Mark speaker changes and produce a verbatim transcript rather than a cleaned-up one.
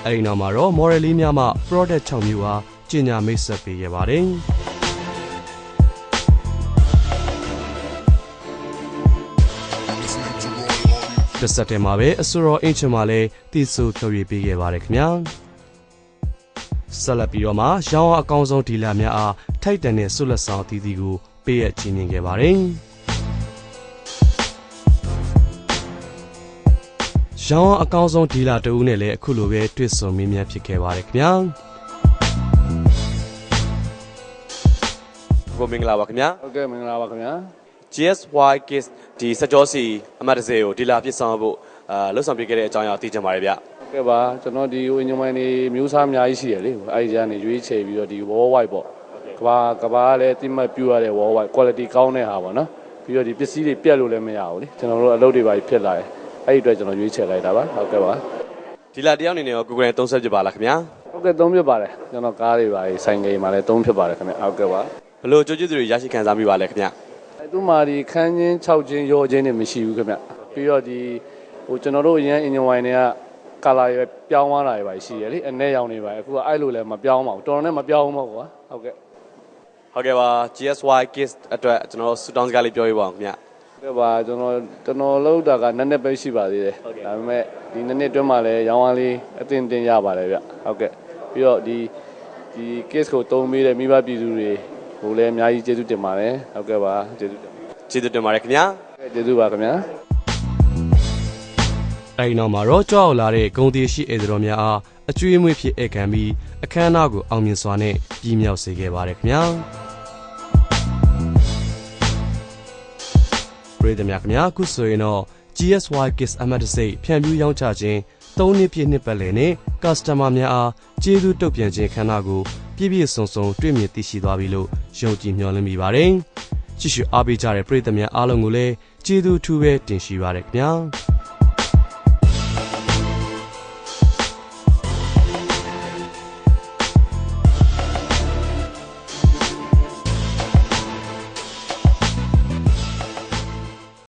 Speaker 1: အဲ့ဒီနောက်မှာတော့ model လေးများမှ product ၆မျိုးအားကျင်ညာမိတ်ဆက်ပေးခဲ့ပါတယ်တစ်ဆက်တည်းမှာပဲအဆိုတော်အင်ချင်မှာလည်းတည်ဆူဖြော်ရည်ပေးခဲ့ပါတယ်ခင်ဗျာဆက်လက်ပြီးတော့မှရောင်းအားအကောင်းဆုံးဒီလာများအားထိုက်တန်တဲ့ဆုလက်ဆောင်အသီးသီးကိုပေးရချီးမြှင့်ခဲ့ပါတယ်ရောင်းအားအကောင်းဆုံးဒီလာတဦးနဲ့လည်းအခုလိုပဲတွေ့ဆုံမေးမြန်းဖြစ်ခဲ့ပါတယ်ခင်ဗျာကိုမင်္ဂလာပါခင်ဗျာ
Speaker 2: ဟုတ်ကဲ့မင်္ဂလာပါခင်ဗျာ
Speaker 1: ဂျီ အက်စ် ဝိုင် Kids ဒီစကြောစီအမတ်တစေကိုဒီလာပြစ်ဆောင်ဖို့အာလှုပ်ဆောင်ပြခဲ့တဲ့အကြောင်းအရာသိချင်ပါတယ်ဗျ
Speaker 2: ဟုတ်ကဲ့ပါကျွန်တော်ဒီဝင်းညမိုင်းနေမျိုးစားအများကြီးရှိတယ်လေအဲဒီကနေရွေးချယ်ပြီးတော့ဒီ wall white ပေါ့ကဘာကဘာလည်းတိမှတ်ပြရတဲ့ wall white quality ကောင်းတဲ့ဟာပေါ့နော်ပြီးတော့ဒီပစ္စည်းတွေပြက်လို့လည်းမရဘူးလေကျွန်တော်တို့အလုပ်တွေပါဖြစ်လာတယ်အဲ့ဒီအတွက်ကျွန်တော်ရွေးချယ်လိုက်တာပါဟုတ်ကဲ့ပါ
Speaker 1: ဒီလာတယောက်အနေနဲ့ရော Google သုံးဆက်ပြပါလားခင်ဗျာ
Speaker 2: ဟုတ်ကဲ့သုံးပြပါတယ်ကျွန်တော်ကားတွေပါဆိုင်ကိန်းမှာလည်းသုံးဖြစ်ပါတယ်ခင်ဗျဟုတ်ကဲ့ပါ
Speaker 1: ဘလို့ကြိုးကြည့်သူတွေရရှိခံစားမိပါလဲခင်ဗျ
Speaker 2: အဲသူမာဒီခန်းချင်း၆ချင်းရောချင်းတွေမရှိဘူးခင်ဗျပြီးတော့ဒီဟိုကျွန်တော်တို့အရင် engine wine တွေကကာလာရပြောင်းသွားတာတွေပါရှိရလေအနဲ့ရောင်တွေပါအခုကအဲ့လိုလည်းမပြောင်းပါဘူးတော်တော်နဲ့မပြောင်းဘူးပေါ့ကွာဟုတ်ကဲ့
Speaker 1: ဟုတ်ကဲ့ပါ ဂျီ အက်စ် ဝိုင် Kids အတွက်ကျွန်တော်စူတောင်းစကားလေးပြောပြပါဦးခင်ဗျ
Speaker 2: ကဲ့ပါကျွန်တော်ကျွန်တော်လောက်တာကနှစ်နှစ်ပဲရှိပါသေးတယ်ဒါပေမဲ့ဒီနှစ်နှစ်အတွင်းမှာလည်းရောင်းအားလေးအတင်တင်ရပါတယ်ဗျဟုတ်ကဲ့ပြီးတော့ဒီဒီ case ကိုတုံးပေးတဲ့မိဘပြည်သူတွေဟိုလည်းအများကြီးကျေးဇူးတင်ပါတယ်ဟုတ်ကဲ့ပါကျေးဇူးတင်
Speaker 1: ကျေးဇူးတင်ပါတယ်ခင်ဗျာ
Speaker 2: ကျေးဇူးပါခင်ဗျာ
Speaker 1: အဲဒီနောက်မှာတော့ကြောက်လာတဲ့ဂုံတီရှိဧည့်သည်တော်များအားအကျွေးမွေးဖြစ်ဧည့်ခံပြီးအခမ်းအနားကိုအောင်မြင်စွာနဲ့ပြည်မြောက်စေခဲ့ပါတယ်ခင်ဗျာပြည်သူများခင်ဗျာအခုဆိုရင်တော့ ဂျီ အက်စ် ဝိုင် Kids အမတ်တစိဖြန့်ဖြူးရောင်းချခြင်းသုံးနှစ်ပြည့်နှစ်ပတ်လည်နဲ့ customer များအားကျေးဇူးတုတ်ပြန်ခြင်းခမ်းနားကိုပြည့်ပြည့်စုံစုံတွေ့မြင်သိရှိသွားပြီလို့ယုံကြည်မျှော်လင့်မိပါတယ်ကြည့်ရှုအားပေးကြတဲ့ပြည်သူများအားလုံးကိုလည်းကျေးဇူးထူးပဲတင်ရှိပါရခင်ဗျာ